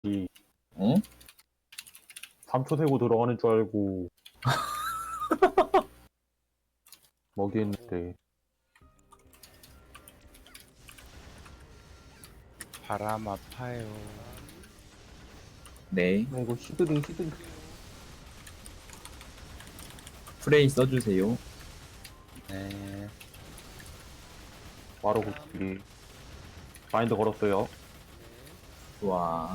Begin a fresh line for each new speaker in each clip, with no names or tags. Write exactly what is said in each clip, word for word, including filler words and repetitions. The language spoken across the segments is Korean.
이
어?
삼 초 세고 들어가는 줄 알고 먹이했는데
바람 아파요.
네.
이거 시드링 시드링
프레이 써주세요.
네.
바로 고치기 마인드 걸었어요.
좋아.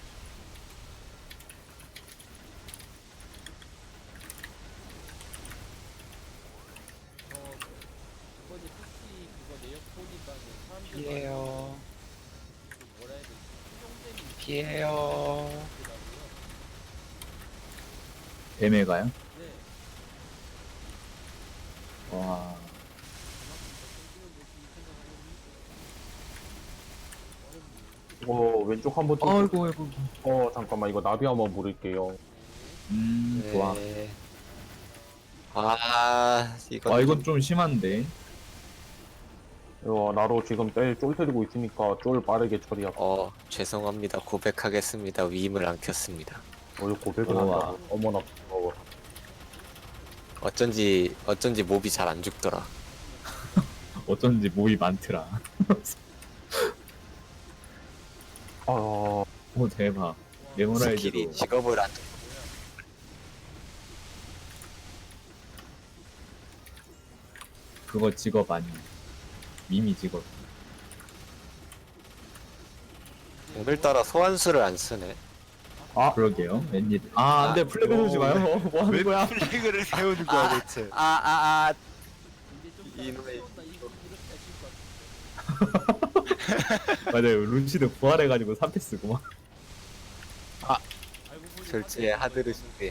이번에 특히 그거 내역 보니까는 사람들
피해요.
그 뭐라 해야 되지? 수용됨이
피해요.
있더라고요.
뱀에가요?
네.
와.
그만큼 더 생각하면
이거 왼쪽 한번 좀
아이고, 아이고.
어 잠깐만 이거 나비 한번 물을게요.
음, 좋아.
네. 아, 이건
아, 이건
좀-
좀 심한데.
이거 나로 지금 쫄 때리고 있으니까 쫄 빠르게 처리하고
어, 죄송합니다. 고백하겠습니다. 위임을 안 켰습니다.
어, 이거 고백을
우와.
한다고 어머나 어,
어쩐지, 어쩐지 몹이 잘 안 죽더라.
어쩐지 몹이 많더라.
아
오, 대박.
스킬이
메모라이즈로.
직업을 안,
그거 직업 아니야. 이미 직업.
오늘따라 소환수를 안 쓰네.
아, 그러게요. 웬일. 아, 안 돼. 플래그 세우지 마요. 뭐 하는 거야?
플래그를 세우는 거야 대체?
아, 아, 아.
이제 좀
이놈의-
싸운다 이렇게 하실 것 같은데.
맞아요. 룬시드 부활해가지고 삼 패 쓰고 막.
알고 보니
졸지에 하드르신데.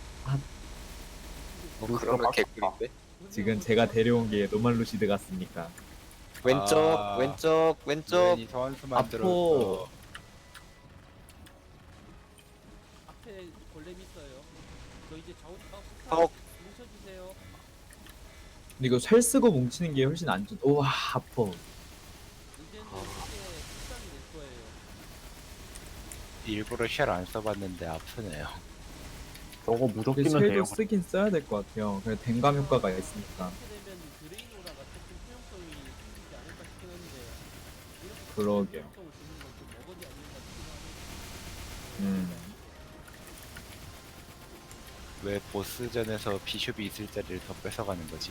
뭐 그러면 개꿀인데?
지금 제가 데려온 게 노말 루시드 같습니까?
왼쪽,
아.
왼쪽, 왼쪽.
이 소환수
아포.
만들었어.
앞에 골렘 있어요. 저 이제 좌우 아,
어.
뭉쳐주세요.
근데 이거 살 쓰고 뭉치는 게 훨씬 안 좋. 우와, 아퍼.
이제는
아.
이게 특성이 될 거예요.
일부러 쉘 안 써봤는데 아프네요.
저거
근데
무적기는
쉘도
돼요.
쓰긴 써야 될 것 같아요. 그래 댕감 효과가 있으니까.
이렇게 되면 드레이노라가 조금 소용성이 생기지 않을까 싶었는데 이렇게
그러게요.
소용성을 주는 건좀 어거지 아닌가 싶긴 하네요.
음.
왜 보스전에서 비숍이 있을 자리를 더 뺏어가는 거지?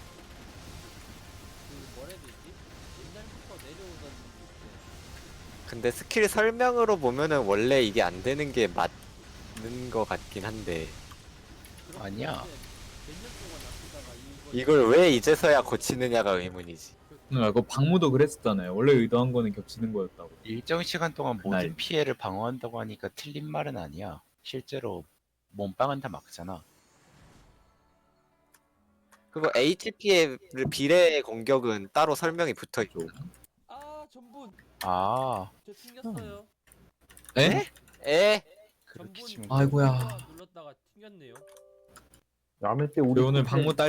그 뭐라 해야 되지? 옛날부터 내려오던 그
근데 스킬 설명으로 보면은 원래 이게 안 되는 게 맞는 것 같긴 한데.
그런
아니야.
몇년 동안 아프다가 이거
이걸 왜 이제서야 고치느냐가 의문이지.
응, 이거 박무도 그랬었잖아요. 원래 의도한 거는 겹치는 거였다고.
일정 시간 동안 모든
그날.
피해를 방어한다고 하니까 틀린 말은 아니야. 실제로 몸빵은 다 막잖아.
그리고 에이치피의 비례 공격은 따로 설명이 붙어 있죠.
아 전분
아,
저 튕겼어요.
에?
에?
그렇게
전분
치면
아이고야.
누르다가 눌렀다가 튕겼네요.
야매 때 우리
우리 오늘
그
박무 딸